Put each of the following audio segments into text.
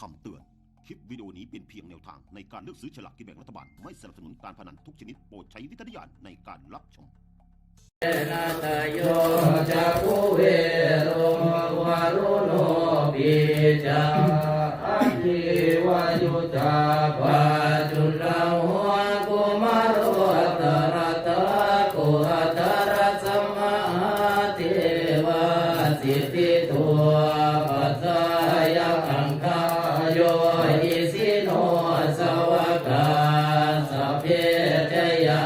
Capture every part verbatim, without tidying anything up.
คำเตือนคลิปวิดีโอนี้เป็นเพียงแนวทางในการเลือกซื้อฉลากกินแบ่งรัฐบาลไม่สนับสนุนการพนันทุกชนิดโปรดใช้วิจารณญาณในการรับชมนาตโยจักขุเวโรวารุโนปิจาอันทิวายุตาปาจุลาหัวกุมารโอตระตะโกตระสัมมาเทวาสิทธิตัวปัสสายะอังคายโยอิสิโนสวากาสัพเพเทยะ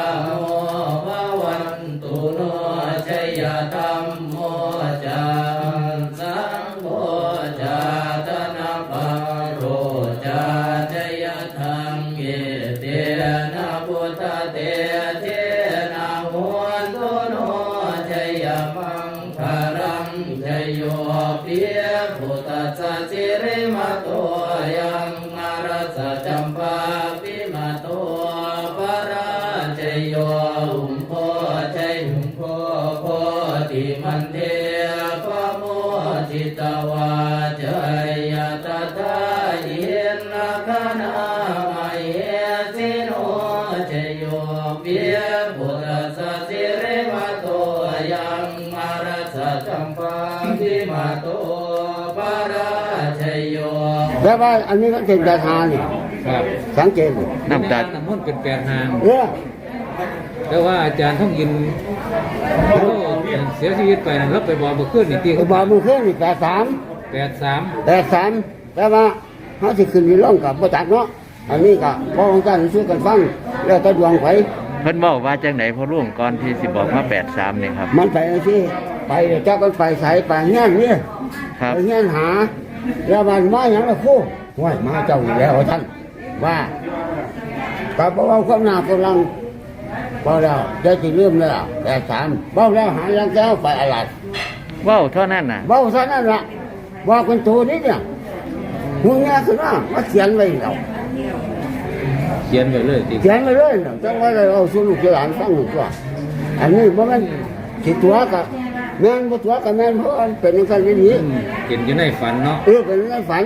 ธัมโมจันสังโฆจาตนะปะโรจาจยธังเยเตนะพุทธเตเทนะโหตุโนจยมังคารังจโยปิพุทธัสสะสิริมาโตยังอารัสสะจัมปาปิมาโตปะราจโยหุมโพจหุมโพโพติมันเทปโมจิตวาจยตถาเยนะคณามเยสิโนจโยปิพุทธัสสะสิริมาโตยังอารัสสะจัมปาปิมาโตปะราชโยแล้วว่าอันนี้ก็เป็นดาทานี่ครับสังเกตน้ำตาลน้ำมันเป็นแปดหางเออแต่ว่าอาจารย์ท่องยินเสียชีวิตไปนะรับไปบอกบุขึ้นนี่ตีเขาบอกมือขึ้นนี่แปดสามแปดสามแปดสามแต่ว่าเขาจะขึ้นมีร่องกับประจักษ์เนาะอันนี้ก็พอของการช่วยกันฟังแล้วแต่ดวงไฟเพิ่นบอกว่าจังไหนพอร่วงก่อนที่สิบอกว่าแปดสามเนี่ยครับมันไปที่ไปเจ้ากันไปใส่ไปเงี้ยนี่ไปเงี้ยหาแล้วมันมาอย่างละคู่ห้วยมาเจ้าอยู่แล้วท่านว่าก็บอกว่าความหนาความลังเบาแล้วได้ที่เริ่มแล้วแต่สามเบาแล้วหายังแก้วไปอะไรเบ้าเท่านั้นน่ะเบาเท่านั้นละว่าคนโตนี่เนี่ยหุ่นเงี้ยคือว่ามาเขียนไว้แล้วเขียนไว้เลยเขียนไว้เลยจังว่าเราสู้ลูกหลานฟังหนึ่งตัวอันนี้เพราะมันคิดตัวกับแม่นบ่ตัวกับแม่นเพราะมันเป็นอย่างนี้นี้เห็นอยู่ในฝันเนาะเออเป็นในฝัน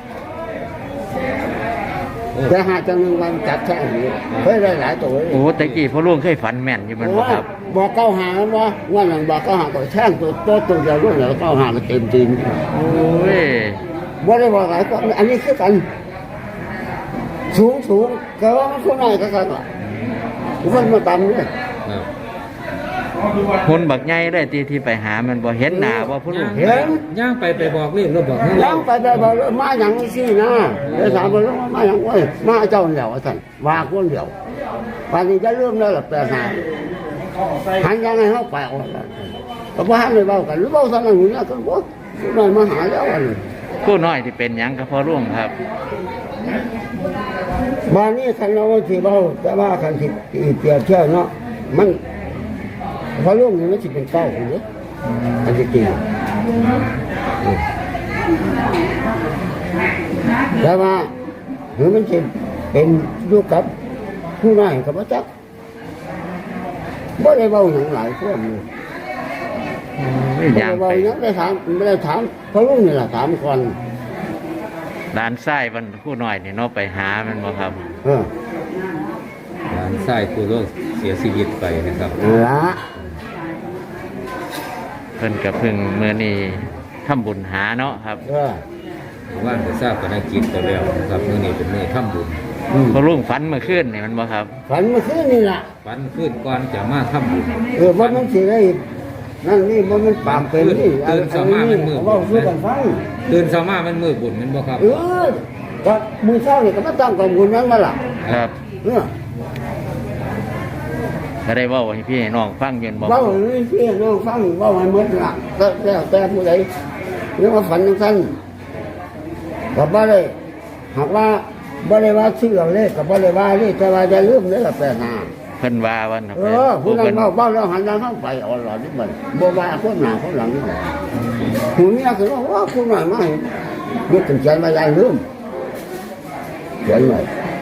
แต่หาจังหนึ่งวันจับแค่นี้เคยได้หลายตัวโอ้ตะกี้พอร่วงเคยฝันแม่นอยู่มันบ่ครับบอกเก้าหาแล้วว่าว่าหลังบอกเก้าหาก็แช่งตัวตัวตัวเดียวด้วยแล้วเก้าหาก็เต็มจริงโอ้ยบ่ได้บอกหลายก็อันนี้คือกันสูงสูงแต่ว่ามันคนไหนก็กันล่ะคนมาตำเนี่ยคนบักใหญ่ได้ที่ที่ไปหามันบ่เห็นหน้าบ่ผู้ลูกเห็นย่างไปไปบอกเรื่องแล้วบอกย่างไปไปบอกมาอย่างนี้นะเดี๋ยวถามว่ามาอย่างไรมาเจ้าเดียวท่านว่าคนเดียวป่านนี้จะเริ่มแล้วหลับแต่หาหันยังไงเขาไปออกแล้วก็ว่าให้เบากันหรือเบาสักหน่อยนี่ก็ว่าผู้น้อยมาหาแล้วอันนี้ผู้น้อยที่เป็นหยังก็พอร่วงครับบ้านนี้คันเราที่เบาแต่ว่าคันที่เกี่ยวเที่ยวเนาะมันพอร่วงนี่มันจะเป็นเก้าหรืออันที่จริงแต่ว่าหรือมันจะเป็นลูกกับผู้นายกับพระจักรไม่ได้เบาหนังหลายพวกนี้ไม่ได้เบาหนังได้ถามไม่ได้ถามพอร่วงนี่แหละถามก่อนด้านซ้ายมันผู้น้อยนี่เนาะไปหามันบ่ครับเออด้านซ้ายผู้ร่วงเสียชีวิตไปนะครับละเพิ่นกับพึ่งเมื่อนี้ทำบุญหาเนาะครับว่างจะทราบกันนักกิจตัวแล้วครับเมื่อนี้เป็นเมื่อทำบุญพอรุ่งฝันเมื่อคืนนี่มันบ่ครับฝันเมื่อคืนนี่แหละฝันคืนก่อนจะมาทำบุญเออว่ามันสิได้นั่นนี่ว่ามันปามเป็นนี่ตื่นสมามันมือบุญตื่นสมามันมือบุญมันบ่ครับเออก็มือเช้านี่ก็มาตั้งกองบุญนั้นมาล่ะครับเออก็ได้ว่าให้พี่น้องฟังยืนบอกว่าให้พี่น้องฟังว่าให้หมดละแล้วแต่ผู้ใดเรื่องว่าฝันสั้นกับบ่ได้หากว่าบ่ได้ว่าชื่อเราเลขกับบ่ได้ว่าเลขแต่ว่าจะลืมเลยละแปดห้าเพิ่นว่าวันเออผู้นั้นเว้าเว้าแล้วหันหลังเข้าไปอ่อนหลอดนิดหน่อยบ่ว่าคนหน้าคนหลังนี่หูเนี่ยคือว่าผู้นั้นมาให้ยกถึงใจมาใหญ่ลืมเขียนไว้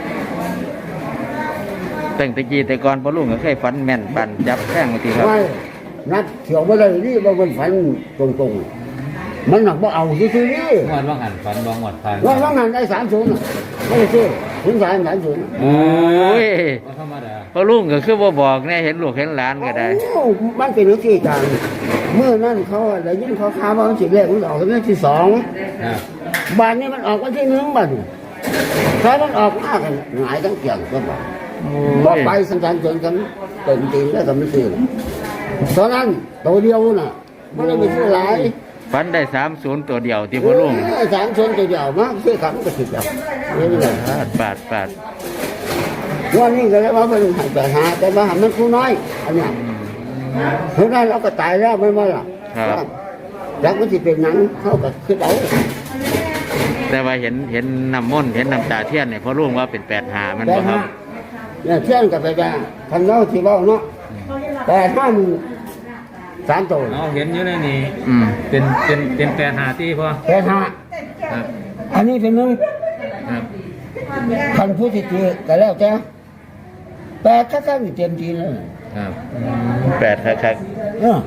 ตั้งแต่กี้แต่ก่อนพอลุงก็เคยฝันแม่นปั่นจับแข้งบางทีครับไม่นัดเขียวไม่ได้นี่บางคนฝันตรงๆมันหนักบ่เอาซื่อๆนี่งวดว่างหันฝันบองวดผ่านว่าว่างานได้สามศูนย์ไม่ได้ซื้อถึงสามสามศูนย์โอ้ยบ่ธรรมดาพ่อลุงก็คือบ่บอกแน่เห็นลูกเห็นหลานก็ได้โอ้มันเป็นเรื่องที่การเมื่อนั้นเขาได้ยินเขาข่าวว่ามันสิแรกมันออกวันที่สองครับบ้านนี้มันออกวันที่หนึ่งบ้านถ้ามันออกมากกันหงายทั้งเกี่ยงก็บอกว่าไปสังสารจนกันเต็มตีนแล้วก็ไม่ซื้อตอนนั้นตัวเดียวน่ะไม่ได้ไปซื้อหลายฝันได้สามศูนย์ตัวเดียวที่พ่อลุงสามชนตัวเดียวมากซื้อขับก็สิบเดียวนี่เลยปาดปาดปาดวันนี้ก็เลยว่าเป็นหายไปหาแต่ว่ามันผู้น้อยอันเนี้ยเพราะนั้นเราก็ตายแล้วไม่มาหรอกแล้วมันจะเป็นหนังเขาก็คือเอาแต่ว่าเห็นเห็นน้ำมนต์เห็นน้ำตาเทียนเนี่ยพ่อลุงว่าเป็นแปดหามันแต่บ่ครัฮะบเนี่ยเที่ยงกับไปได้ทันเล่าที่เบ้าเนาะแต่ห้ามันสามตัวเอาเห็นอยู่ในนี้อืมเป็นเป็นเป็นแปดหาที่พอแต่ห้าครับอันนี้เป็นหนึ่งครับคันผู้ที่ตีก็แล้วแต่แต่ถ้าท่านเต็มทีเลยครับแปดครับเออ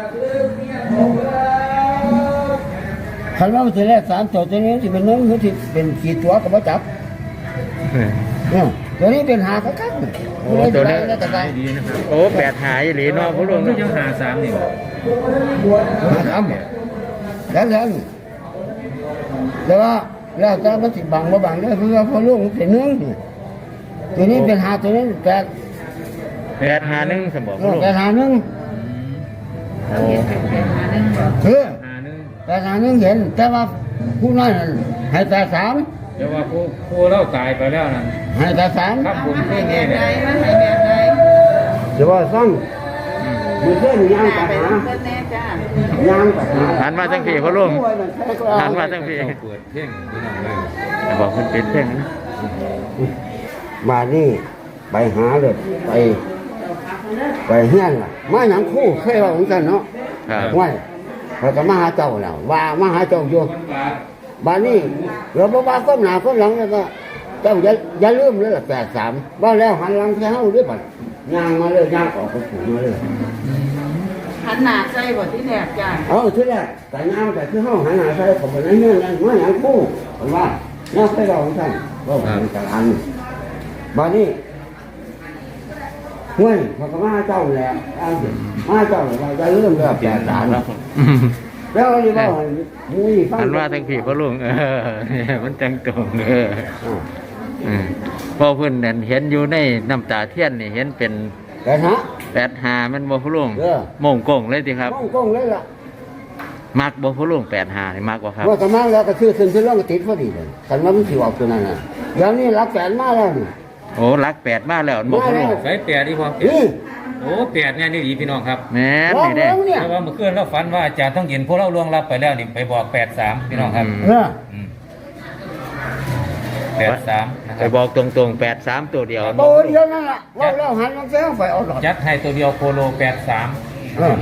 คันว่ามันจะแรกสามตัวตัวนี้ที่เป็นหนึ่งผู้ที่เป็นกี่ตัวก็มาจับเนี่ยตัวนี้เป็นหาคักๆโอ้ตัวนี้แล้วแต่ไปดีนะครับโอ้แปดหาอีหลีเนาะพ่อลุงก็ยังหาสามนี่หาทำแล้วแล้วนี่แต่ว่าแล้วแต่มันสิบังบ่บังเนี่ยคือว่าพอลูกมันเป็นหนึ่งตัวนี้เป็นหาตัวนี้แปดแปดหาหนึ่งสมบอกพ่อลุงแปดหาหนึ่งโอ้คือหาหนึ่งแปดหาหนึ่งเห็น แต่ว่าผู้น้อยนั่นให้แปดสามเดี๋ยวว่าผู้ผู้เล่าตายไปแล้วนั่นให้แปดสามครับบุญเพื่อนนี่เนี่ยเดี๋ยวว่าซ่องมันเพื่อนย่างกับหาย่างกับหาหันมาทั้งพี่พ่อลุงหันมาทั้งพี่ต้องเปิดเพ่งพี่น้องเลยบอกมันเป็นเพ่งนะมานี่ไปหาเลยไป ไปเฮี้ยนล่ะมาหนังคู่เคยว่าเหมือนกันเนาะครับว่าเราก็มาหาเจ้าแล้วว่ามาหาเจ้าอยู่บ้านนี้เราบอกว่าก้มหน้าก้มหลังแล้วก็เจ้าอย่าอย่าลืมเลยล่ะแปดสามว่าแล้วหันหลังแค่เฮาด้วยบัดย่างมาเลยย่างออกไปผูมาเลยหันหน้าใส่บ่ที่แรกจ้าเอาทีแรกแต่ย่างแต่คือเฮาหันหน้าใส่ของมันนี่นั่นมาหนังคู่ผมว่าน่าเคยเราของท่านก็เป็นกลางบ้านนี้เฮ้ยเขาก็มาหาเจ้าแล้วเอาสิมาหาเจ้าแล้วว่าอย่าลืมเลยแปดสาม แล้วเราจะบอกว่ามุ้ยฟังหันมาทั้งพี่พ่อลุงเออเนี่ยมันจังตรงเอออืมพอเพิ่นนั่นเห็นอยู่ในน้ำตาเทียนนี่เห็นเป็นแต่ฮะแปดหามันบ่พ่อลุงเออโมงกงเลยสิครับก้องก้องเลยล่ะมักบ่พ่อลุงแปดหานี่มักบ่ครับว่ากำลังแล้วก็คือขึ้นขึ้นแล้วก็ติดพอดีเลยกันว่ามันสิออกตัวนั้นน่ะเดี๋ยวนี้รับแสนมาแล้วนี่โอ้รักแปดมาแล้วบ่พ่อลุงใส่แปดดีพอนี่โอ้แปดเนี่ยนี่ดีพี่น้องครับแม่นลองนี่เด้เบิ่งเนี่ยเพราะว่าเมื่อคืนเราฝันว่าอาจารย์ต้องเห็นพวกเราล่วงลับไปแล้วนี่ไปบอกแปดสามพี่น้องครับเออแปดสามนะคไปรับบอกตรงๆแปดสามตัวเดียวโตเดียวนั่นล่ะว่าแล้วหันลงเสียงไฟเอาหลอดยัดให้ตัวเดียวโคโลแปดสามเออ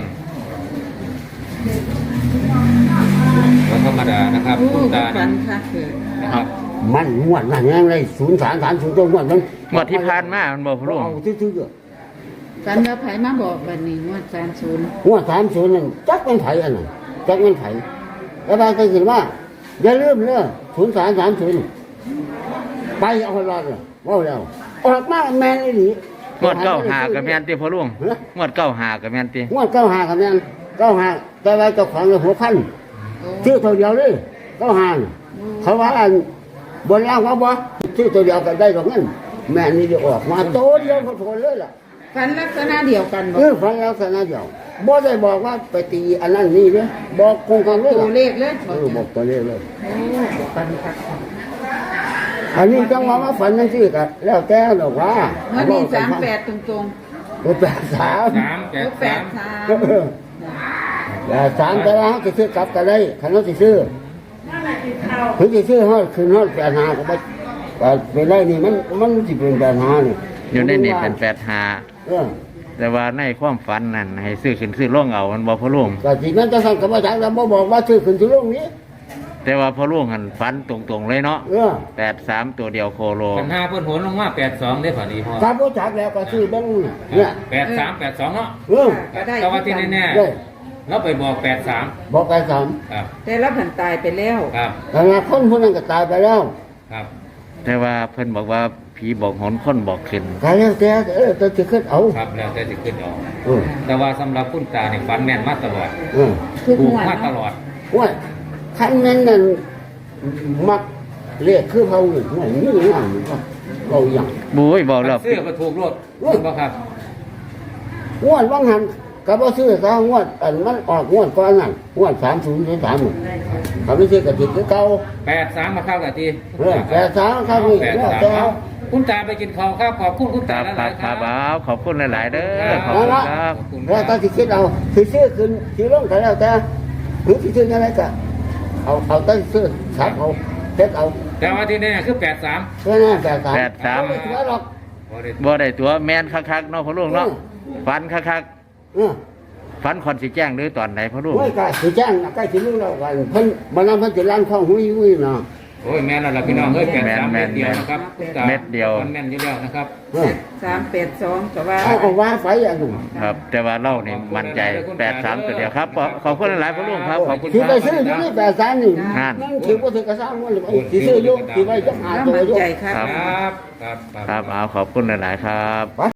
ธรรมดานะครับโอ้คุณตาฝันนะค่ะคือนะครับมันงวดนั่นยังเลยศูนย์สามสามศูนย์ตัวงวดนั้นงวดที่ผ่านมามันบ่พ่อลุงเอาซื่อฝันว่าไผมาบอกวันนี้ว่าสามศูนย์ๆงวดสามศูนย์นั่นจักมันไถอันนั้นจักมันไถแล้วบางคนคิดว่าอย่าลืมเด้อศูนย์สามสามศูนย์ไปเอาหลอดเลยว่าแล้วออกมาแม่นอีหลีงวดเก้าหากับแม่นติพ่อลุงงวดเก้าหากับแม่นติงวดเก้าหากับแม่นเก้าหาแต่ว่าเจ้าของหัวพันโอ้ชื่อตัวเดียวเลยเก้าหาเขาว่าอันบนล่างเขาบ่ชื่อตัวเดียวกันได้ตรงนั้นแม่นี่จะออกมาโตเดียวโผล่เลยล่ะฝันลักษณะเดียวกันบ่เออฟังแล้วสนะเดียวบ่ได้บอกว่าไปตีอันนั้นนี่เลยบอกคงกันเลยตัวล่ะเลขเลยเออบอกตัวเลขเลยโอ้ฝันค่ะอันนี้จังหวะมาฝันนั่นสิกันแล้วแต่ดอกว่าวันนี้สามแปดตรงเออแปดสามสามๆแปโอ้ดแปสาดมสามเออแปดสามแต่ว่าเขาจะซื้อกลับกันได้คันเขาจะซื้อเขาจะซื้อเขาคืนเขาแปดหาก็ไปไปได้นี่มันมันสิเป็นแปดหานี่อยู่ในนี่เป็นแปดหาเออแต่ว่าในความฝันนั่นให้ซื้อขึ้นซื้อลงเอามันบ่พ่อลุงก็สินั้นจะสั่งกับว่าจักแล้วบ่บอกว่าซื้อขึ้นซื้อลงนี้แต่ว่าพ่อลุงหันฝันตรงๆเลยเนาะเออแปดสามตัวเดียวโคโลปัญหาเพิ่นโหนลงมาแปดสองได้พอดีพอถ้าบ่จักแล้วก็ซื้อเบิ่งเนี่ยแปดสามแปดสองเนาะเออก็ได้แต่ว่าที่แน่ได้ๆเราไปบอกแปดสามบอกไปสามครับแต่ละผันตายไปแล้วครับแต่ละคนคนนั้นก็ตายไปแล้วครับแต่ว่าเพิ่นบอกว่าผีบอกหนคนบอกขึ้นก็แล้วแต่เออแต่จะขึ้นเอาครับแล้วแต่จะขึ้นออกเออแต่ว่าสำหรับคุณตาเนี่ยฝันแม่นมาตลอดเออทุกถูงกวดมาตเนาะลอดว่าคันนั้นนั่นมักเรียกคือเขาอยู่ว่านี่อย่างนี้ก็เราอย่างบุ้ยบอกแล้วเสื้อก็ถูกรถถูกป่ะครับงวดว่างหันก็บ่ซื้อซะงวดอันมันออกงวดก่อนนั่นงวดสามศูนย์สามเขาไม่ซื้อกระติกคือเก่าแปดสามมาเข้ากับทีเออแต่สามครับนี่แปดแล้วสามแต่เอาคุณตาไปกินข้าวครับขอบคุณคุณคตารับหครัลาบยๆคครัรับบ เอาขอบคุณหลาย ๆ เด้อขอบเอาคุณละครับแล้วถ้าสิคิดเอาสิซื้อขึ้นสิลงก็แล้วแต่หรือสิซื้ออะไรก็เอาเอาแต่ซื้อสับเอาเฮ็ดเอาแต่ว่าที่นี่คือแปดสามแค่นั้นแต่สามแปดสามไม่ถือหรอกบ่ได้ตัวแมนคักๆเนาะพ่อลุงเนาะฝันคักเออๆฝันคอนสิแจ้งหรือตอนไหนพ่อลุงโอ้ยก็สิแจ้งใกล้สิรู้แล้วกันเพิ่นบ่นำเพิ่นสิล้างท้องหุยหุยเนาะโอ้ยแม่นแล้วล่ะพี่น้องเอ้ยแปดสามเม็ดเดียวนะครับคุณตาเม็ดเดียวมันแม่นอยู่แล้วนะครับเออสามแปดสองก็ว่าเอาเอาว่าไฟอันนั้นครับ แต่ว่าเล่านี่มั่นใจแปดสามตัวเดียวครับขอขอบคุณหลายๆพ่อลุงครับขอบคุณสิคไปรับซื้ออยู่นี่แต่สามนี่นั่นนั่นถือว่าถือกระซ้างว่าสิซื้ออยู่สิไปจักหาแล้วตัวมั่นอยู่ใจครับครับครับครับครับเอาขอบคุณหลายๆครับ